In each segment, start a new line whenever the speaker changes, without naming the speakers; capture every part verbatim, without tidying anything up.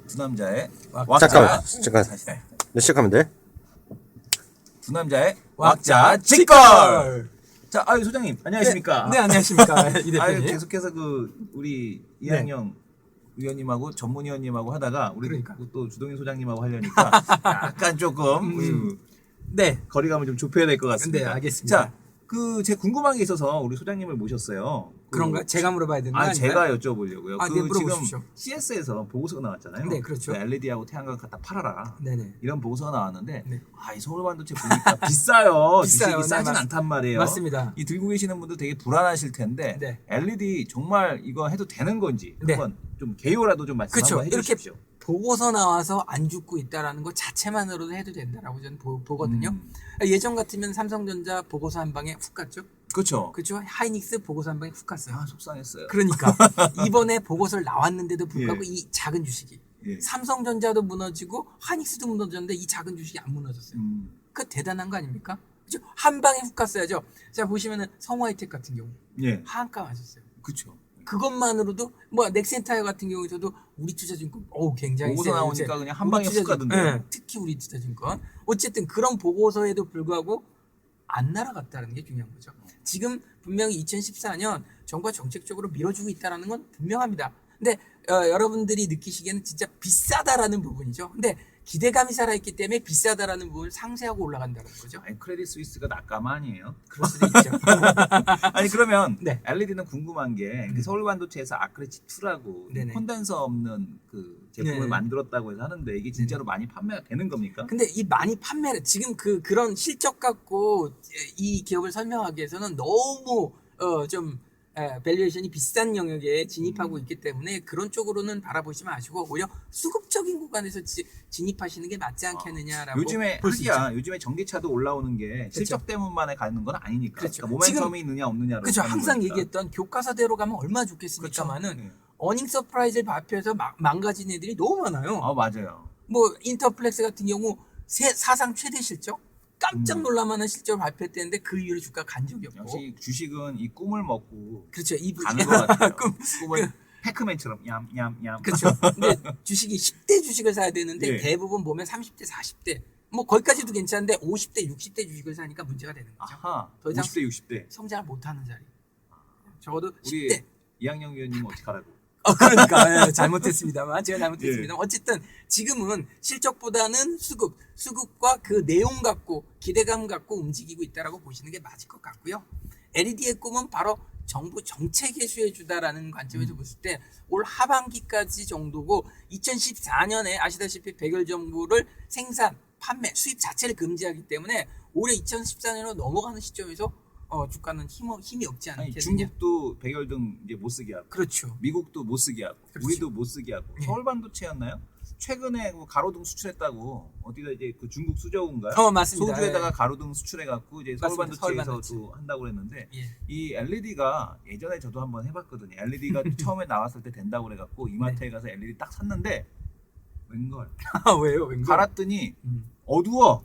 두 남자의
왁자. 잠깐만, 잠깐.
다시 해.
네, 시작하면 돼.
두 남자의
왁자
왁자 직걸.
직걸.
자, 아유 소장님 안녕하십니까?
네, 네 안녕하십니까 이 대표님.
아유 계속해서 그 우리 이한영 의원님하고 전문위원님하고 하다가 우리
그러니까.
또 주동인 소장님하고 하려니까 약간 조금 음,
네,
거리감을 좀 좁혀야 될 것 같습니다.
네, 알겠습니다.
자, 그 제 궁금한 게 있어서 우리 소장님을 모셨어요. 그,
그런가? 제가 물어봐야 되는 거
아,
아닌가요?
제가 여쭤보려고요.
아,
그
네, 물어보십시오.
지금 씨에스에서 보고서가 나왔잖아요.
네, 그렇죠.
그 엘이디하고 태양광 갖다 팔아라.
네네.
이런 보고서가 나왔는데
네.
아, 이 서울 반도체 보니까 비싸요.
비싸요.
주식이
네,
싸진
맞-
않단 말이에요.
맞습니다.
이 들고 계시는 분들 되게 불안하실 텐데
네.
엘이디 정말 이거 해도 되는 건지
네.
한번 좀 개요라도 좀 말씀
그렇죠.
한번
이렇게
해주십시오.
보고서 나와서 안 죽고 있다라는 것 자체만으로도 해도 된다라고 저는 보, 보거든요.
음.
예전 같으면 삼성전자 보고서 한 방에 훅 갔죠.
그렇죠.
그렇죠. 하이닉스 보고서 한 방에 훅 갔어요.
아, 속상했어요.
그러니까 이번에 보고서를 나왔는데도 불구하고
예.
이 작은 주식이
예.
삼성전자도 무너지고 하이닉스도 무너졌는데 이 작은 주식이 안 무너졌어요.
음.
그 대단한 거 아닙니까? 그죠? 한 방에 훅 갔어야죠. 자 보시면은 성화이텍 같은 경우
예.
하한가 맞았어요.
그렇죠.
그것만으로도 뭐 넥센타이어 같은 경우에도 우리 투자증권 어우 굉장히
보고서
세요,
나오니까
요새.
그냥 한
우리
방에 훅
투자증-
가던데요.
예, 특히 우리 투자증권 어쨌든 그런 보고서에도 불구하고 안 날아갔다는 게 중요한 거죠. 지금 분명히 이천십사 년 정부가 정책적으로 밀어주고 있다는 건 분명합니다. 근데 어, 여러분들이 느끼시기에는 진짜 비싸다라는 부분이죠. 근데 기대감이 살아있기 때문에 비싸다라는 부분을 상쇄하고 올라간다는 거죠.
아니, 크레딧 스위스가 낙감 아니에요?
그럴 수도 있죠.
아니 그러면
네.
엘이디는 궁금한 게
음.
서울 반도체에서 아크레치 이라고
네네.
콘덴서 없는 그 제품을
네.
만들었다고 해서 하는데 이게 진짜로 많이 판매가 되는 겁니까?
근데 이 많이 판매를 지금 그 그런 실적 갖고 이 기업을 설명하기 위해서는 너무 어좀 밸류에이션이 비싼 영역에 진입하고
음.
있기 때문에 그런 쪽으로는 바라보지 마시고 오히려 수급적인 구간에서 지, 진입하시는 게 맞지 않겠느냐라고
요즘에
볼 수 있죠.
하기야 요즘에 전기차도 올라오는 게 실적 때문만에 가는 건 아니니까.
그렇죠.
그러니까 모멘텀이
지금-
있느냐 없느냐로.
그렇죠.
가는
항상
거니까.
얘기했던 교과서대로 가면 얼마나
그렇죠.
좋겠습니까만은
네.
어닝 서프라이즈를 발표해서 마- 망가진 애들이 너무 많아요.
아 맞아요.
뭐 인터플렉스 같은 경우 세- 사상 최대 실적 깜짝
음.
놀랄만한 실적을 발표했대는데 그 이후로 주가 간 적이 없고
역시 주식은 이 꿈을 먹고
그렇죠. 이 부-
가는 것 같아요.
꿈,
꿈을 패크맨처럼 얌얌얌.
그렇죠. 근데 주식이 십 대 주식을 사야 되는데
예.
대부분 보면 삼십 대, 사십 대 뭐 거기까지도 괜찮은데 오십 대, 육십 대 주식을 사니까 문제가 되는 거죠.
아하.
더 이상
오십 대 육십 대.
성장을 못하는 자리. 적어도
우리
십 대.
이학영 위원님은 어떻게 하라고?
어, 그러니까 예, 잘못했습니다만 제가 잘못했습니다.
예.
어쨌든 지금은 실적보다는 수급, 수급과 그 내용 갖고 기대감 갖고 움직이고 있다라고 보시는 게 맞을 것 같고요. 엘이디의 꿈은 바로 정부 정책 개수해 주다라는 관점에서
음.
봤을 때 올 하반기까지 정도고 이천십사 년에 아시다시피 백열 정부를 생산, 판매, 수입 자체를 금지하기 때문에 올해 이천십사 년으로 넘어가는 시점에서 어, 주가는 힘, 힘이 없지
아니
않겠느냐.
중국도 백열등 이제 못 쓰게 하고
그렇죠.
미국도 못 쓰게 하고
그렇죠.
우리도 못 쓰게 하고
예.
서울 반도체였나요? 최근에 그 가로등 수출했다고 어디가 이제 그 중국 수저우인가요?
어, 맞습니다.
소주에다가
예.
가로등 수출해갖고 이제 서울
맞습니다. 서울
반도체에서도 한다고 그랬는데
예.
이 엘이디가 예전에 저도 한번 해봤거든요. 엘이디가 처음에 나왔을 때 된다고 그래갖고 이마트에
네.
가서 엘이디 딱 샀는데 웬걸
아, 왜요? 왠가?
갈았더니
음.
어두워.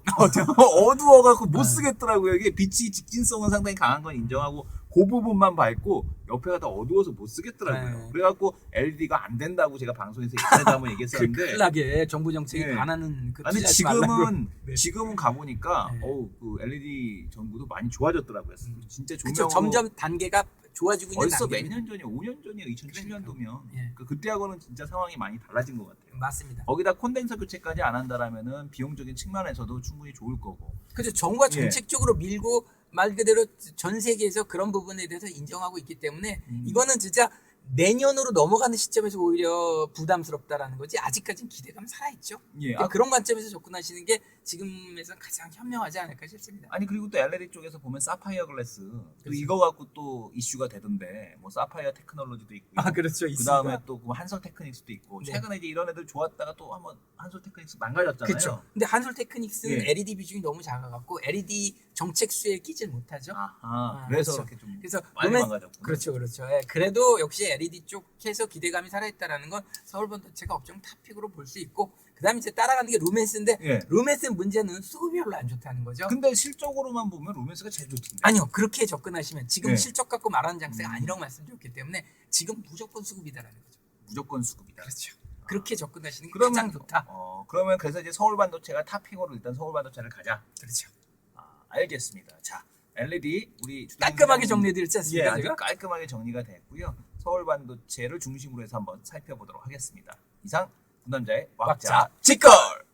어두워갖고 못
네.
쓰겠더라고요. 이게 빛이 직진성은 상당히 강한 건 인정하고 그 부분만 밝고 옆에가 다 어두워서 못 쓰겠더라고요.
네.
그래갖고 엘이디가 안 된다고 제가 방송에서 예전에도 한번
그
얘기했었는데
큰일나게 정부 정책이
네.
반하는 그
아니
투자하지 말라고.
지금은
네.
지금은 가보니까
네.
어우 그 엘이디 전구도 많이 좋아졌더라고요. 진짜
그쵸,
조명으로
점점 단계가 좋아지고 있는
벌써 몇
단계입니다.
년 전이야? 오 년 전이야. 이천칠 년도면
예.
그 그때하고는 진짜 상황이 많이 달라진 것 같아요.
맞습니다.
거기다 콘덴서 교체까지 안 한다라면은 비용적인 측면에서도 충분히 좋을 거고.
그죠. 정부가
예.
정책적으로 밀고 말 그대로 전 세계에서 그런 부분에 대해서 인정하고 있기 때문에
음.
이거는 진짜 내년으로 넘어가는 시점에서 오히려 부담스럽다라는 거지 아직까지는 기대감 살아있죠.
예.
그러니까
아,
그런 관점에서 접근하시는 게 지금에서 가장 현명하지 않을까 싶습니다.
아니 그리고 또 엘이디 쪽에서 보면 사파이어 글래스 또
그렇죠.
이거 갖고 또 이슈가 되던데 뭐 사파이어 테크놀로지도 있고
아 그렇죠.
그 다음에 또 그 한솔 테크닉스도 있고
네.
최근에 이제 이런 애들 좋았다가 또 한번 한솔 테크닉스 망가졌잖아요.
그렇죠. 근데 한솔 테크닉스는
예.
엘이디 비중이 너무 작아갖고 엘이디 정책 수에 끼질 못하죠.
아하,
아,
그래서
그렇죠.
이렇게 좀
그래서
많이
로맨-
망가졌고.
그렇죠, 그렇죠. 예, 그래도 역시 엘이디 쪽에서 기대감이 살아있다라는 건 서울 반도체가 업종 탑픽으로 볼 수 있고, 그다음에 이제 따라가는 게 루멘스인데
예.
루멘스 문제는 수급이 별로 안 좋다는 거죠.
근데 실적으로만 보면 로맨스가 제일 좋던데.
아니요, 그렇게 접근하시면 지금
예.
실적 갖고 말하는 장세가
음.
아니라고 말씀드렸기 때문에 지금 무조건 수급이다라는 거죠.
무조건 수급이다.
그렇죠. 그렇게 접근하시는 게
그러면-
가장 좋다.
어, 그러면 그래서 이제 서울 반도체가 탑픽으로 일단 서울 반도체를 가자.
그렇죠.
아, 알겠습니다. 자, 엘이디 우리
깔끔하게 정리해드렸지
예,
않습니까?
아주
제가?
깔끔하게 정리가 됐고요. 서울 반도체를 중심으로 해서 한번 살펴보도록 하겠습니다. 이상 두 남자의 왁자
왁자
직걸.